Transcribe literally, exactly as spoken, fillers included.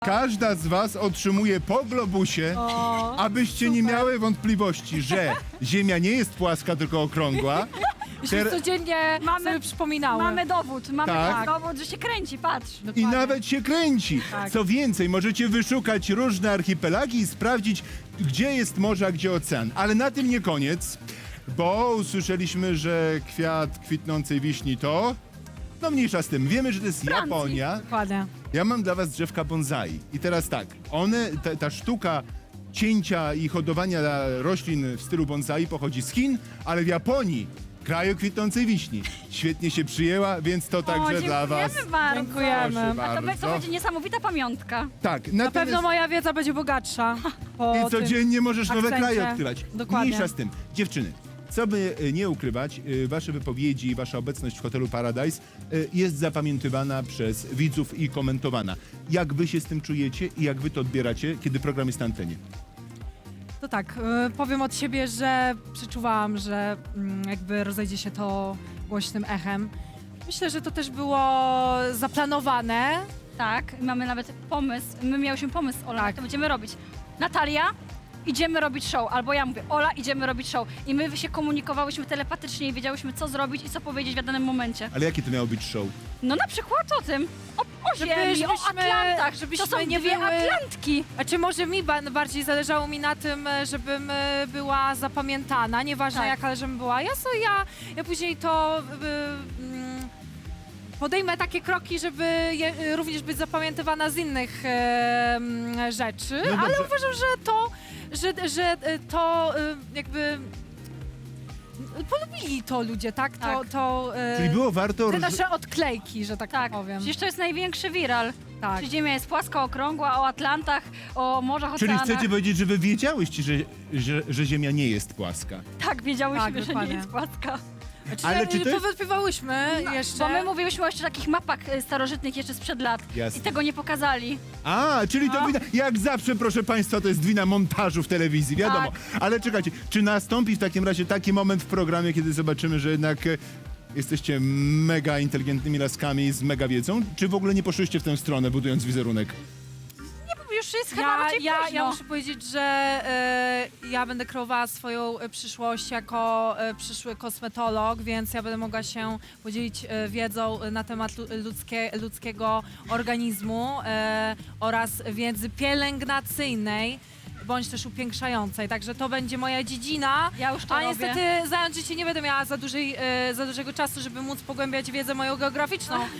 Każda z was otrzymuje po globusie, O, abyście nie super. miały wątpliwości, że Ziemia nie jest płaska, tylko okrągła. Żebyś Ter- codziennie Mamy- sobie przypominały. Mamy dowód, mamy Tak. dowód, że się kręci, patrz. I Dokładnie. nawet się kręci. Tak. Co więcej, możecie wyszukać różne archipelagi i sprawdzić, gdzie jest morze, a gdzie ocean. Ale na tym nie koniec, bo usłyszeliśmy, że kwiat kwitnącej wiśni to... No mniejsza z tym. Wiemy, że to jest Francji. Japonia. Dokładnie. Ja mam dla was drzewka bonsai. I teraz tak, one, ta, ta sztuka cięcia i hodowania roślin w stylu bonsai pochodzi z Chin, ale w Japonii, kraju kwitnącej wiśni, świetnie się przyjęła, więc to także o, dla was. dziękujemy bardzo. Dziękujemy. Proszę A to, bardzo. be- to będzie niesamowita pamiątka. Tak, Na natomiast... pewno moja wiedza będzie bogatsza. Po I tym. codziennie możesz nowe akcencie. kraje odkrywać. Dokładnie. Mniejsza z tym. Dziewczyny, co by y, nie ukrywać, y, wasze wypowiedzi i wasza obecność w hotelu Paradise y, jest zapamiętywana przez widzów i komentowana. Jak wy się z tym czujecie i jak wy to odbieracie, kiedy program jest na antenie? To tak, y, powiem od siebie, że przeczuwałam, że mm, jakby rozejdzie się to głośnym echem. Myślę, że to też było zaplanowane. Tak, mamy nawet pomysł, my miałyśmy pomysł, Ola, Tak. jak to będziemy robić. Natalia, idziemy robić show, albo ja mówię, Ola, idziemy robić show. I my się komunikowałyśmy telepatycznie i wiedziałyśmy, co zrobić i co powiedzieć w danym momencie. Ale jakie to miało być show? No na przykład o tym, o, o Żeby- ziemi, o żebyśmy- Atlantach, żebyśmy to są nie dwie były- Atlantki. A czy może mi ba- bardziej zależało mi na tym, e, żebym e, była zapamiętana, nieważne Tak. jaka, ale żebym była. Ja, so, ja, ja później to y, mm, podejmę takie kroki, żeby je, y, również być zapamiętywana z innych e, mm, rzeczy, No ale dobrze. uważam, że to, że, że y, to y, jakby polubili to ludzie, tak? To, Tak. to y, Czyli było warto... te róż- nasze odklejki, że tak, Tak, powiem. przecież to jest największy viral. Tak. Czy Ziemia jest płaska, okrągła, o Atlantach, o morzach, Czyli oceanach. chcecie powiedzieć, że wy wiedziałyście, że, że, że Ziemia nie jest płaska. Tak, wiedziałyśmy, Tak, że nie dokładnie. jest płaska. Znaczy, Ale ale czy to jest- powątpiewałyśmy jeszcze. Bo my mówiłyśmy o jeszcze takich mapach y, starożytnych jeszcze sprzed lat. Jasne. I tego nie pokazali. A, czyli to No. wina, jak zawsze, proszę państwa, to jest wina montażu w telewizji, wiadomo. Tak. Ale czekajcie, czy nastąpi w takim razie taki moment w programie, kiedy zobaczymy, że jednak e, jesteście mega inteligentnymi laskami z mega wiedzą, czy w ogóle nie poszłyście w tę stronę, budując wizerunek? Już jest chyba Ja, raczej ja, późno. ja muszę powiedzieć, że e, ja będę kreowała swoją e, przyszłość jako e, przyszły kosmetolog, więc ja będę mogła się podzielić e, wiedzą na temat lu- ludzkie, ludzkiego organizmu e, oraz wiedzy pielęgnacyjnej bądź też upiększającej. Także to będzie moja dziedzina. Ja już to A robię. niestety zająć się nie będę miała za, dużej, e, za dużego czasu, żeby móc pogłębiać wiedzę moją geograficzną,